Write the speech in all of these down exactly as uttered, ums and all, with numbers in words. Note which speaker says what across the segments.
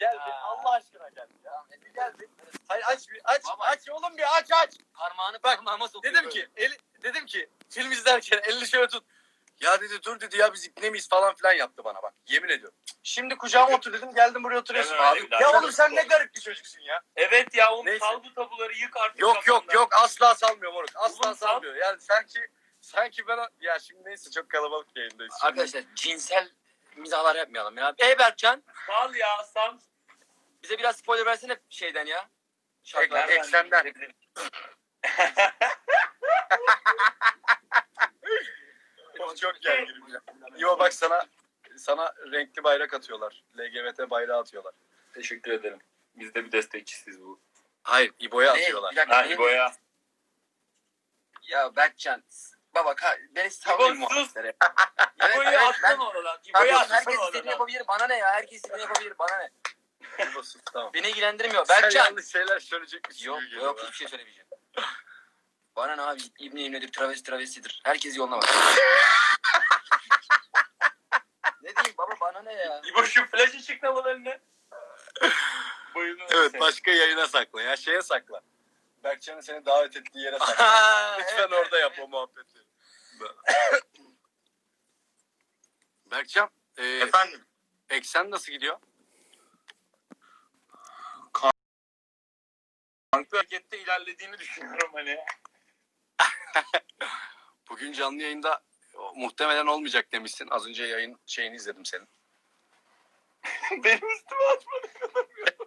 Speaker 1: Gel bir Allah aşkına gel. Ya, bir gel bir. Hayır aç bir aç
Speaker 2: Baba.
Speaker 1: aç oğlum bir aç aç.
Speaker 2: Parmağını
Speaker 1: Bak,
Speaker 2: parmağıma sokuyor.
Speaker 1: Dedim
Speaker 2: böyle.
Speaker 1: ki eli, dedim ki film izlerken elini şöyle tut. Ya dedi dur dedi ya biz ipne miyiz falan filan yaptı bana bak. Yemin ediyorum. Şimdi kucağıma otur dedim geldim buraya oturuyorsun.
Speaker 3: Deme öyle
Speaker 1: Abi,
Speaker 3: bir daha.
Speaker 1: ya oğlum sen ne garip bir çocuksun ya.
Speaker 3: Evet ya oğlum
Speaker 1: Neyse.
Speaker 3: sal bu tabuları yık artık.
Speaker 1: Yok yok
Speaker 3: kafandan.
Speaker 1: yok asla salmıyor moruk. Asla
Speaker 3: Oğlum, sal.
Speaker 1: salmıyor. Yani sanki sanki ben ya şimdi neyse çok kalabalık yayındayız. Şimdi-
Speaker 2: Arkadaşlar cinsel mizahlar yapmayalım ya. Ey Berkcan
Speaker 3: Sal ya sal.
Speaker 2: bize biraz spoiler versene şeyden ya.
Speaker 1: Ek-
Speaker 2: Şarkılar.
Speaker 1: ek- eksenden. Of, çok gerginim ya. İvo bak sana sana renkli bayrak atıyorlar. L G B T bayrağı atıyorlar.
Speaker 3: Teşekkür ederim. Biz de bir destekçisiz bu.
Speaker 1: Hayır İbo'ya
Speaker 2: Ne?
Speaker 1: atıyorlar.
Speaker 2: Bir dakika,
Speaker 3: Ha
Speaker 2: ne?
Speaker 3: İbo'ya.
Speaker 2: Ya Berkcan. Baba ka beni sallayın
Speaker 3: İbo sus.
Speaker 2: muhabbetlere.
Speaker 3: İbo'yu
Speaker 2: evet,
Speaker 3: atsan
Speaker 2: ben-
Speaker 3: oradan.
Speaker 2: Tamam,
Speaker 3: İbo'yu
Speaker 2: herkes
Speaker 3: atsan
Speaker 2: istediğini
Speaker 3: oradan.
Speaker 2: yapabilir. Bana ne ya? Herkes istediğini yapabilir. Bana ne?
Speaker 1: İbo sus tamam.
Speaker 2: Beni ilgilendirmiyor.
Speaker 1: Sen
Speaker 2: Berkcan.
Speaker 1: yanlış şeyler söyleyecekmişsin.
Speaker 2: Yok
Speaker 1: gibi geliyor
Speaker 2: yok
Speaker 1: bana.
Speaker 2: hiçbir şey söylemeyeceğim. Bana ne abi? İbni İbni'dir, travesti travestidir. Herkes yoluna bak. Ne diyeyim baba bana ne ya?
Speaker 3: İbo şu flash ışıklamalarını. Bayılıyorum
Speaker 1: Evet
Speaker 3: seni.
Speaker 1: başka yayına sakla ya şeye sakla. Berkcan'ın seni davet ettiği yere sakla.
Speaker 2: Aa,
Speaker 1: Lütfen
Speaker 2: evet,
Speaker 1: orada
Speaker 2: evet,
Speaker 1: yap
Speaker 2: evet.
Speaker 1: o muhabbeti. Berkcan, e,
Speaker 3: Efendim.
Speaker 1: eksen nasıl gidiyor?
Speaker 3: Kanka harekette ilerlediğini düşünüyorum hani.
Speaker 1: Bugün canlı yayında o, muhtemelen olmayacak demişsin. Az önce yayın şeyini izledim senin.
Speaker 3: Benim üstüme atmadı.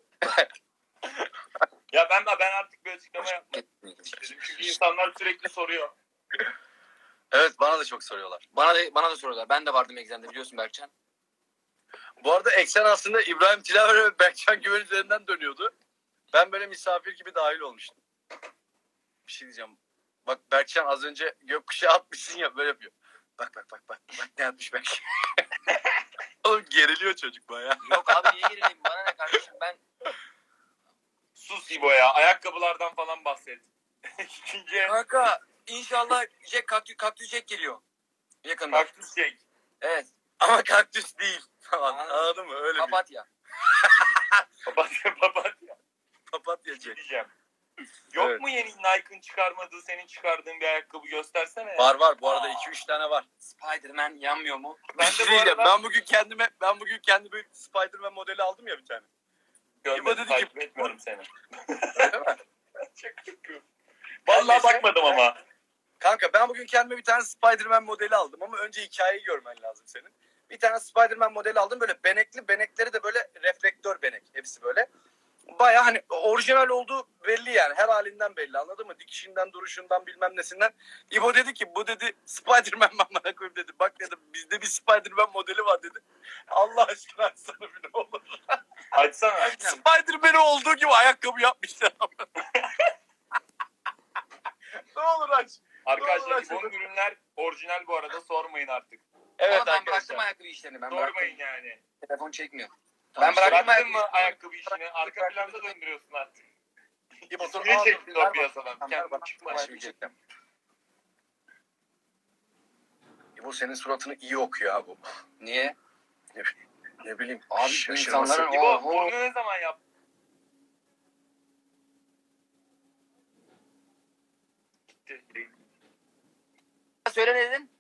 Speaker 3: Ya ben ben artık bir açıklama yapmak istedim. Çünkü insanlar sürekli soruyor.
Speaker 1: Evet bana da çok soruyorlar.
Speaker 2: Bana da bana da soruyorlar. Ben de vardım egzende biliyorsun Berkcan.
Speaker 1: Bu arada eksen aslında İbrahim Tilaver ve Berkcan Güven üzerinden dönüyordu. Ben böyle misafir gibi dahil olmuştum. Bir şey diyeceğim. Bak Berkcan az önce gökkuşağı atmışsın ya böyle yapıyor. Bak bak bak bak. Bak ne yapmış Berkcan. Oğlum geriliyor çocuk bayağı.
Speaker 2: Yok abi niye gerileyim? Bana ne kardeşim ben
Speaker 3: Sus İbo ya. Ayakkabılardan falan bahset. İkinci
Speaker 2: kanka inşallah Jack kaktüs, kaktüs Jack geliyor. Yakında.
Speaker 3: kaktüs çek.
Speaker 2: Evet.
Speaker 1: Ama kaktüs değil. Falan.
Speaker 2: Anladım.
Speaker 1: Anladın mı? Öyle bir
Speaker 2: Papatya.
Speaker 3: Papatya papatya
Speaker 1: papatya Jack.
Speaker 3: diyeceğim. Yok
Speaker 1: Evet.
Speaker 3: mu yeni Nike'ın çıkarmadığı, senin çıkardığın bir ayakkabı göstersene ya.
Speaker 1: Var var bu arada
Speaker 3: Aa.
Speaker 1: iki üç tane var.
Speaker 2: Spider-Man yanmıyor mu?
Speaker 1: Ben
Speaker 3: Ben
Speaker 1: de
Speaker 3: de bu
Speaker 1: diyeceğim.
Speaker 3: arada
Speaker 1: Ben bugün kendime ben bugün kendime Spider-Man modeli aldım ya bir tane. İbo
Speaker 3: görmedim,
Speaker 1: dedi ki-
Speaker 3: takip etmiyorum seni.
Speaker 1: Öyle mi?
Speaker 3: Çok yapıyorum.
Speaker 1: Ben
Speaker 3: Vallahi
Speaker 1: mesela-
Speaker 3: bakmadım ama.
Speaker 1: Kanka ben bugün kendime bir tane Spider-Man modeli aldım ama önce hikayeyi görmen lazım senin. Bir tane Spider-Man modeli aldım böyle benekli, benekleri de böyle reflektör benek hepsi böyle. Baya hani orijinal olduğu belli yani her halinden belli anladın mı? Dikişinden, duruşundan bilmem nesinden. İbo dedi ki bu dedi Spider-Man bana koyayım dedi. Bak dedi bizde bir Spider-Man modeli var dedi. Allah aşkına açsana bir ne olur.
Speaker 3: Açsana.
Speaker 1: Spider-Man'i olduğu gibi ayakkabı yapmışlar ama. Ne olur aç.
Speaker 3: Arkadaşlar
Speaker 1: Vallahi
Speaker 3: İbo'nun ürünler orijinal bu arada, sormayın artık.
Speaker 1: Evet
Speaker 2: Ama ben bıraktım
Speaker 1: arkadaşlar.
Speaker 2: ayakkabı işlerini. Ben
Speaker 3: Sormayın
Speaker 2: bıraktım.
Speaker 3: yani.
Speaker 2: Telefon çekmiyor.
Speaker 1: Tamam,
Speaker 2: ben bıraktım
Speaker 3: Bıraktın mı
Speaker 2: ayakkabı
Speaker 3: ayakkabı işini? Arka planda döndürüyorsun artık.
Speaker 1: İbo dur.
Speaker 3: Niye
Speaker 1: al,
Speaker 3: çektin
Speaker 1: ver
Speaker 3: o
Speaker 1: bana.
Speaker 3: piyasadan?
Speaker 1: Tamam, ver
Speaker 3: Kendin
Speaker 1: bana.
Speaker 3: çıkma.
Speaker 1: Ben şimdi çekeceğim. İbo senin suratını iyi okuyor abi bu.
Speaker 2: Niye?
Speaker 1: Ne bileyim.
Speaker 2: Abi
Speaker 1: şaşırması.
Speaker 2: insanların
Speaker 3: İbo
Speaker 2: Oho.
Speaker 3: bunu ne zaman yaptın? Gitti.
Speaker 2: Söyle ne dedin?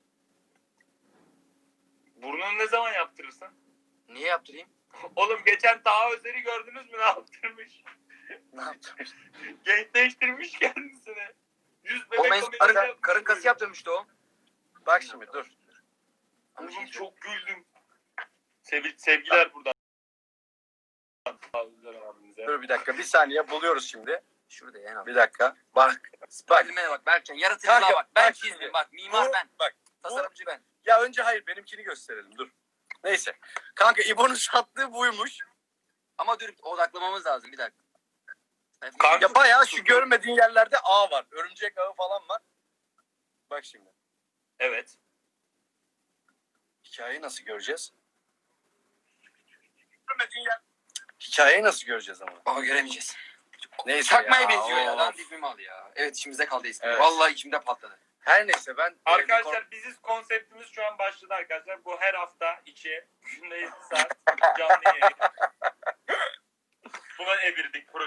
Speaker 3: Burnunu ne zaman yaptırırsın?
Speaker 2: Niye yaptırayım?
Speaker 3: Oğlum geçen Taha Özer'i gördünüz mü ne yaptırmış?
Speaker 1: Ne yaptın?
Speaker 3: Gençleştirmiş kendisini. Yüz
Speaker 2: O
Speaker 3: bebek
Speaker 2: men
Speaker 3: ameliyatı
Speaker 2: karın,
Speaker 3: yapmış
Speaker 2: karın kası
Speaker 3: böyle.
Speaker 2: yaptırmıştı o.
Speaker 1: Bak şimdi dur.
Speaker 2: Ama şey
Speaker 3: Oğlum
Speaker 2: söyle-
Speaker 3: çok güldüm. Sevil, sevgiler buradan. Sevgiler abimize.
Speaker 1: Dur bir dakika. Bir saniye buluyoruz şimdi.
Speaker 2: Şurada ya. en
Speaker 1: Bir dakika. Bak. Bak.
Speaker 2: Spiderman'e bak Berkcan. Yaratıcılığa
Speaker 1: Kanka,
Speaker 2: bak. Ben
Speaker 1: bak
Speaker 2: çizdim
Speaker 1: şimdi.
Speaker 2: bak. Mimar
Speaker 1: Bu-
Speaker 2: ben.
Speaker 1: Bak.
Speaker 2: Tasarımcı ben.
Speaker 1: Ya önce hayır benimkini gösterelim. Dur. Neyse. Kanka İbo'nun sattığı buymuş.
Speaker 2: Ama dur odaklamamız lazım bir dakika.
Speaker 3: Kanka-
Speaker 1: Ya bayağı şu görmediğin yerlerde ağ var. Örümcek ağı falan var. Bak şimdi.
Speaker 3: Evet.
Speaker 1: Hikayeyi nasıl göreceğiz? Görmediğin yer. Hikayeyi nasıl göreceğiz ama?
Speaker 2: Baba göremeyeceğiz.
Speaker 1: Neyse
Speaker 2: Çakmaya
Speaker 1: ya,
Speaker 2: benziyor ya.
Speaker 1: of.
Speaker 2: Lan dibim al ya. Evet içimizde kaldı eski.
Speaker 1: Evet.
Speaker 2: Vallahi içimde patladı.
Speaker 1: Her neyse ben...
Speaker 3: Arkadaşlar biziz konseptimiz şu an başladı arkadaşlar. Bu her hafta içi günde yedi saat canlı yayın.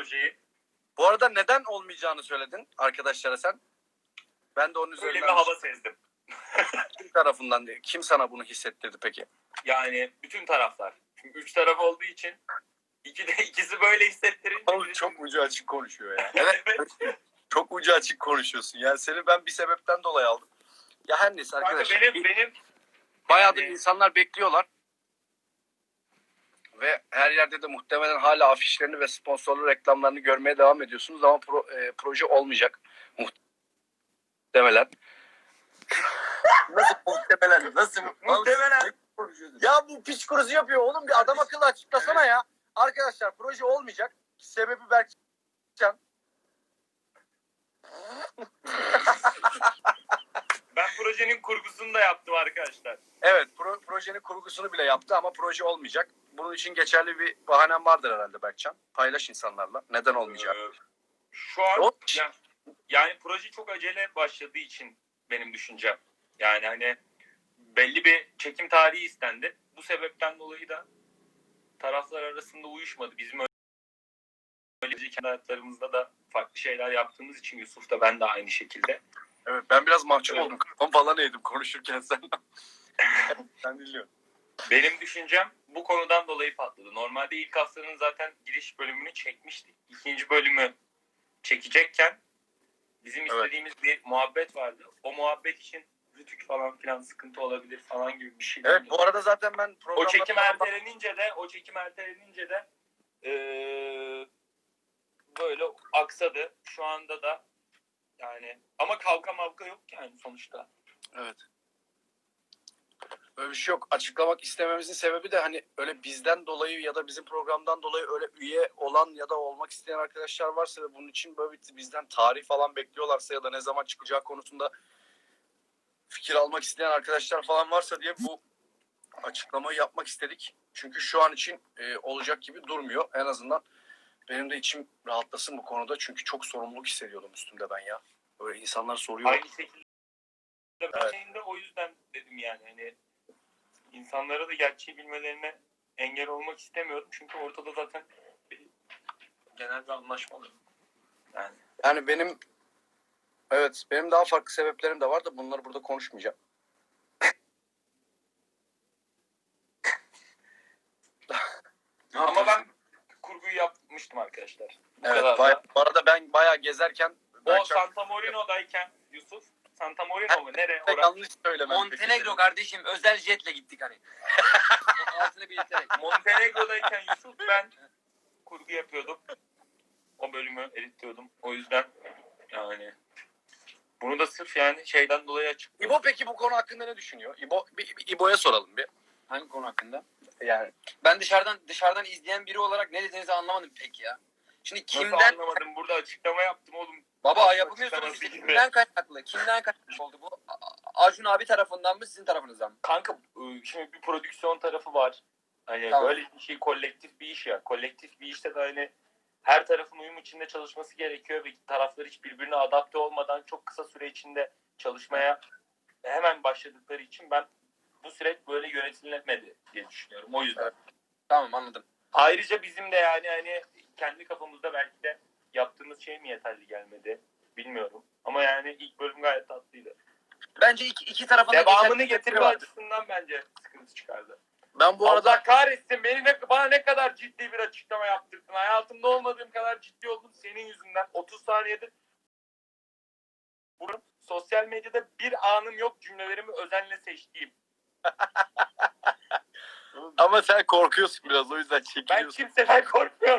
Speaker 3: projeyi.
Speaker 1: Bu arada neden olmayacağını söyledin arkadaşlara sen. Ben de onun
Speaker 3: Öyle bir
Speaker 1: üzerinden
Speaker 3: hava sezdim.
Speaker 1: kim tarafından değil. Kim sana bunu hissettirdi peki?
Speaker 3: Yani bütün taraflar. Çünkü üç taraf olduğu için iki de ikisi böyle hissettirince.
Speaker 1: Oğlum çok ucu açık konuşuyor ya.
Speaker 3: Evet.
Speaker 1: Çok ucu açık konuşuyorsun. Yani seni ben bir sebepten dolayı aldım. Ya her neyse
Speaker 3: Kanka
Speaker 1: arkadaşlar.
Speaker 3: benim benim
Speaker 1: Bayağıdır
Speaker 3: yani-
Speaker 1: insanlar bekliyorlar. Ve her yerde de muhtemelen hala afişlerini ve sponsorlu reklamlarını görmeye devam ediyorsunuz. Ama pro, e, proje olmayacak. Muhtemelen.
Speaker 2: Nasıl muhtemelen? Nasıl
Speaker 3: Muhtemelen.
Speaker 1: Ya bu piç kurusu yapıyor oğlum. Bir adam akıllı açıklasana ya. Arkadaşlar proje olmayacak. Sebebi Berkcan.
Speaker 3: Ben projenin kurgusunu da yaptım arkadaşlar.
Speaker 1: Evet pro, projenin kurgusunu bile yaptı ama proje olmayacak. Bunun için geçerli bir bahanem vardır herhalde Berkcan. Paylaş insanlarla. Neden olmayacak?
Speaker 3: Ee, Şu an
Speaker 1: Yok.
Speaker 3: yani, yani proje çok acele başladığı için benim düşüncem. Yani hani belli bir çekim tarihi istendi. Bu sebepten dolayı da taraflar arasında uyuşmadı. Bizim öyle kendi hayatlarımızda da farklı şeyler yaptığımız için Yusuf da ben de aynı şekilde.
Speaker 1: Evet ben biraz mahcup
Speaker 3: Evet.
Speaker 1: oldum. Kafam falan eğdim konuşurken sen. Sen dinliyorsun.
Speaker 3: Benim düşüncem bu konudan dolayı patladı. Normalde ilk haftanın zaten giriş bölümünü çekmiştik. İkinci bölümü çekecekken bizim
Speaker 1: Evet.
Speaker 3: istediğimiz bir muhabbet vardı. O muhabbet için rütük falan filan sıkıntı olabilir falan gibi bir şey.
Speaker 1: Evet bu arada zaten ben programda...
Speaker 3: O çekim ertelenince de o çekim ertelenince de eee, böyle aksadı. Şu anda da yani ama kavga mavga yok yani sonuçta.
Speaker 1: Evet. Öyle bir şey yok. Açıklamak istememizin sebebi de hani öyle bizden dolayı ya da bizim programdan dolayı öyle üye olan ya da olmak isteyen arkadaşlar varsa ve bunun için böyle bir- bizden tarih falan bekliyorlarsa ya da ne zaman çıkacağı konusunda fikir almak isteyen arkadaşlar falan varsa diye bu açıklamayı yapmak istedik. Çünkü şu an için e, olacak gibi durmuyor. En azından benim de içim rahatlasın bu konuda. Çünkü çok sorumluluk hissediyordum üstümde ben ya. Böyle insanlar soruyor.
Speaker 3: Aynı şekilde
Speaker 1: Evet.
Speaker 3: ben de o yüzden dedim yani hani insanlara da gerçeği bilmelerine engel olmak istemiyorum. Çünkü ortada zaten bir, genel bir anlaşma var. Yani
Speaker 1: Yani benim evet benim daha farklı sebeplerim de var da bunları burada konuşmayacağım.
Speaker 3: ama ben kurguyu yapmıştım arkadaşlar. Bu
Speaker 1: Evet,
Speaker 3: kadar
Speaker 1: bay-
Speaker 3: da.
Speaker 1: bu arada ben bayağı gezerken
Speaker 3: O
Speaker 1: Berkcan-
Speaker 3: Santa Morino'dayken Yusuf Santa Morino mu? Nereye?
Speaker 1: Pek
Speaker 3: Orası?
Speaker 1: yanlış söylemem.
Speaker 2: Montenegro kardeşim özel jetle gittik hani. Altını belirterek.
Speaker 3: Montenegro'dayken Yusuf ben kurgu yapıyordum. O bölümü editliyordum. O yüzden yani bunu da sırf yani şeyden dolayı açık.
Speaker 1: İbo peki bu konu hakkında ne düşünüyor? İbo, bir, bir İbo'ya soralım bir.
Speaker 2: Hangi konu hakkında?
Speaker 1: Yani
Speaker 2: Ben dışarıdan dışarıdan izleyen biri olarak ne dediğinizi anlamadım pek ya. Şimdi
Speaker 3: Nasıl
Speaker 2: kimden
Speaker 3: anlamadım? Burada açıklama yaptım oğlum.
Speaker 2: baba
Speaker 3: Açıklama
Speaker 2: yapamıyorsunuz işte
Speaker 3: gibi.
Speaker 2: kimden kaynaklı? Kimden kaynaklı oldu bu? A- Acun abi tarafından mı sizin tarafınızdan mı?
Speaker 3: Kanka ıı, şimdi bir prodüksiyon tarafı var. Hani
Speaker 2: Tamam.
Speaker 3: böyle bir şey kolektif bir iş ya. Kolektif bir işte de hani her tarafın uyum içinde çalışması gerekiyor ve taraflar hiç birbirine adapte olmadan çok kısa süre içinde çalışmaya hemen başladıkları için ben bu süreç böyle yönetilemedi diye düşünüyorum. O yüzden.
Speaker 2: Evet. Tamam anladım.
Speaker 3: Ayrıca bizim de yani hani kendi kafamızda belki de yaptığımız şey mi yeterli gelmedi bilmiyorum. Ama yani ilk bölüm gayet tatlıydı.
Speaker 2: Bence iki, iki tarafın da
Speaker 3: Devamını
Speaker 2: geçerli
Speaker 3: getirme
Speaker 2: var.
Speaker 3: açısından bence sıkıntı çıkardı.
Speaker 1: ben bu arada
Speaker 3: Allah kahretsin beni ne, bana ne kadar ciddi bir açıklama yaptırdın. Hayatımda olmadığım kadar ciddi oldum senin yüzünden. otuz saniyede bunu sosyal medyada bir anım yok cümlelerimi özenle seçtiğim.
Speaker 1: ama sen korkuyorsun biraz o yüzden
Speaker 3: Ben
Speaker 1: çekiliyorsun.
Speaker 3: kimseden korkmuyorum.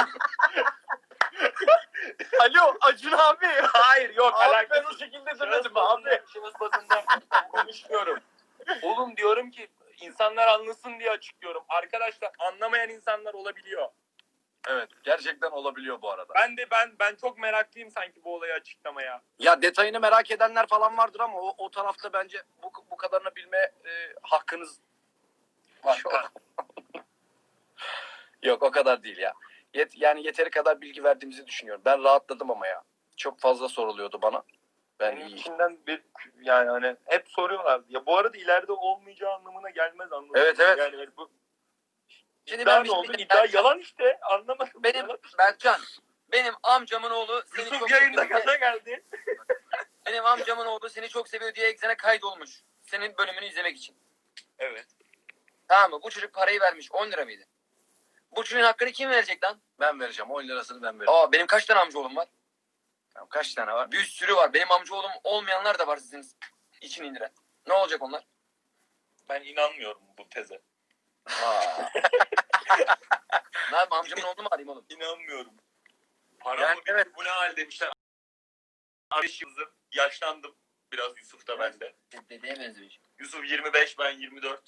Speaker 1: Alo Acun abi.
Speaker 3: Hayır yok
Speaker 1: Abi ben
Speaker 3: alakası.
Speaker 1: o şekilde
Speaker 3: Şahıs
Speaker 1: demedim
Speaker 3: bazında,
Speaker 1: abi.
Speaker 3: şahıs bazında konuşmuyorum. Oğlum diyorum ki insanlar anlasın diye açıklıyorum. Arkadaşlar anlamayan insanlar olabiliyor.
Speaker 1: Evet gerçekten olabiliyor bu arada.
Speaker 3: Ben de ben ben çok meraklıyım sanki bu olayı açıklamaya.
Speaker 1: Ya detayını merak edenler falan vardır ama o, o tarafta bence bu, bu kadarını bilme e, hakkınız var. Yok. Yok o kadar değil ya. Yet, yani yeteri kadar bilgi verdiğimizi düşünüyorum. Ben rahatladım ama ya. Çok fazla soruluyordu bana. Ben
Speaker 3: Benim
Speaker 1: iyi.
Speaker 3: içimden bir yani hani hep soruyorlardı. Ya bu arada ileride olmayacağı anlamına gelmez anladın
Speaker 1: Evet,
Speaker 3: mı?
Speaker 1: evet.
Speaker 3: Yani bu
Speaker 2: Şimdi
Speaker 3: iddia
Speaker 2: ben
Speaker 3: ne
Speaker 2: bir şey
Speaker 3: oldu?
Speaker 2: diyeyim.
Speaker 3: İddia
Speaker 2: Berkcan,
Speaker 3: yalan işte. Anlamadım.
Speaker 2: Benim
Speaker 3: Yalan.
Speaker 2: Berkcan Benim amcamın oğlu seni
Speaker 3: Yusuf
Speaker 2: çok
Speaker 3: yayında
Speaker 2: seviyor.
Speaker 3: gaza geldi.
Speaker 2: Benim amcamın oğlu seni çok seviyor diye Exxen'e kaydolmuş. Senin bölümünü izlemek için.
Speaker 3: Evet.
Speaker 2: Tamam mı? Bu çocuk parayı vermiş. on lira mıydı? Bu çocuğun hakkını kim verecek lan?
Speaker 1: Ben vereceğim. on lirasını ben vereceğim.
Speaker 2: Aa benim kaç tane amcaoğlum var?
Speaker 1: Tamam, kaç tane var?
Speaker 2: Bir sürü var. Benim amcaoğlum olmayanlar da var sizin için indiren. Ne olacak onlar?
Speaker 3: Ben inanmıyorum bu teze.
Speaker 2: Ne yapayım amcamın oğlunu mu arayayım oğlum?
Speaker 3: İnanmıyorum. Para
Speaker 1: Yani
Speaker 3: mı bitti,
Speaker 1: evet.
Speaker 3: bu ne hal demişler. Beş yıldır yaşlandım. Biraz Yusuf da bende.
Speaker 2: Dedeye benzemiş.
Speaker 3: Yusuf yirmi beş, ben yirmi dört.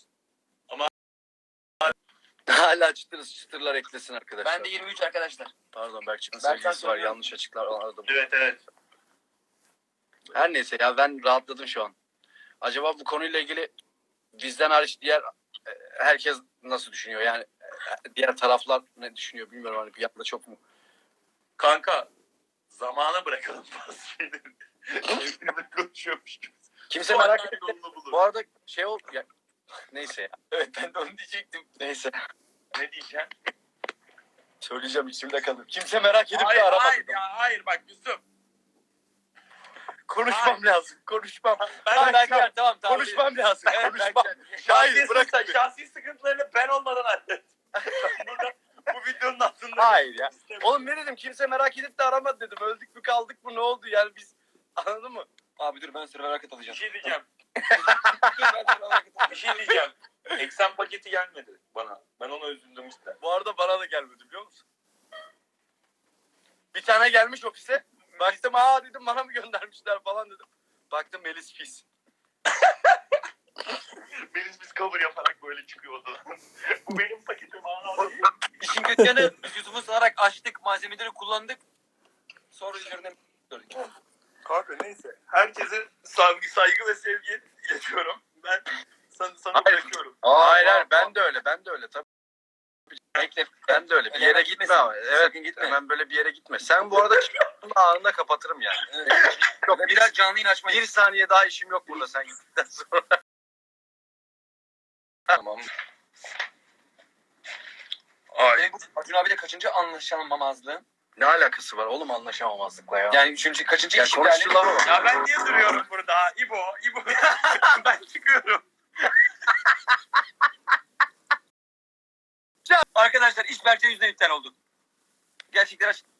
Speaker 1: Hala çıtır çıtırlar eklesin arkadaşlar.
Speaker 2: Ben de yirmi üç arkadaşlar.
Speaker 1: Pardon Berkcan'ın
Speaker 2: Berkcan
Speaker 1: sevgilisi var.
Speaker 2: söylüyor.
Speaker 1: Yanlış açıklar aradım.
Speaker 3: Evet evet.
Speaker 1: Her neyse ya ben rahatladım şu an. Acaba bu konuyla ilgili bizden hariç diğer e, herkes nasıl düşünüyor? Yani e, diğer taraflar ne düşünüyor bilmiyorum. Hani bir yanda çok mu?
Speaker 3: Kanka zamana bırakalım bazı şeyleri. Hepimiz konuşuyormuş gibi.
Speaker 1: Kimse merak
Speaker 3: Sonra
Speaker 1: etmiyor.
Speaker 3: yolunu bulur.
Speaker 1: Bu arada şey ol ya, neyse ya.
Speaker 2: Evet ben de onu diyecektim.
Speaker 1: Neyse.
Speaker 3: Ne diyeceğim?
Speaker 1: Söyleyeceğim içimde kalır. Kimse merak edip
Speaker 3: Hayır
Speaker 1: de aramadı.
Speaker 3: hayır ya hayır bak Yusuf.
Speaker 1: Konuşmam
Speaker 3: Hayır.
Speaker 1: lazım. Konuşmam.
Speaker 3: Ben
Speaker 2: Tamam
Speaker 3: Berkcan,
Speaker 2: Berkcan tamam tamam.
Speaker 1: Konuşmam lazım.
Speaker 2: Evet,
Speaker 1: Konuşmam.
Speaker 2: Berkcan.
Speaker 1: Hayır
Speaker 3: Şahsi,
Speaker 1: bırak.
Speaker 3: sıkıntı- şahsi sıkıntılarını ben olmadan hallet. Burada bu videonun altında.
Speaker 1: Hayır ya. Oğlum ne dedim? Kimse merak edip de aramadı dedim. Öldük mü kaldık mı ne oldu yani biz anladın mı?
Speaker 2: Abi dur ben server'a
Speaker 3: Bir
Speaker 2: katılacağım.
Speaker 3: şey diyeceğim.
Speaker 2: Dur, ben server'a katılacağım.
Speaker 3: Bir şey diyeceğim. Eksen paketi gelmedi bana. Ben ona üzüldüm işte.
Speaker 1: Bu arada bana da gelmedi biliyor musun? Bir tane gelmiş ofise. Baktım aa dedim bana mı göndermişler falan dedim. Baktım Melis pis.
Speaker 3: Biz biz cover yaparak böyle çıkıyor odadan. Bu benim paketim. Aa.
Speaker 2: İşin kötü yanı biz Yusuf'u sararak açtık malzemeleri kullandık. Sonra üzerine gördük.
Speaker 3: Kanka neyse. Herkese saygı, saygı ve sevgi iletiyorum. Ben sana, sana
Speaker 1: Hayır.
Speaker 3: bırakıyorum.
Speaker 1: Hayır
Speaker 2: aa,
Speaker 1: hayır
Speaker 2: aa.
Speaker 1: ben de öyle ben de öyle tabii.
Speaker 2: Bekle.
Speaker 1: Ben de öyle. Bir
Speaker 2: Öyle
Speaker 1: yere
Speaker 2: hemen
Speaker 1: gitme
Speaker 2: gitmesin.
Speaker 1: ama. Evet
Speaker 2: Sakın gitme.
Speaker 1: hemen böyle bir yere gitme. Sen bu arada çıktığında anında kapatırım yani.
Speaker 2: Yok biraz canlı yayın açmayız.
Speaker 1: Bir saniye daha işim yok burada sen gittikten sonra.
Speaker 2: Tamam.
Speaker 3: Ay.
Speaker 2: Benim bu Acun abiyle kaçıncı anlaşamamazlığım?
Speaker 1: Ne alakası var oğlum anlaşamamazlıkla ya?
Speaker 2: Yani üçüncü kaçıncı
Speaker 1: Ya
Speaker 2: işim
Speaker 1: konuştular
Speaker 2: yani?
Speaker 1: mı?
Speaker 3: Ya ben niye duruyorum burada? İbo, İbo. Ben çıkıyorum.
Speaker 2: Arkadaşlar iş Berkcan yüzünden iptal oldu. Gerçekten aç.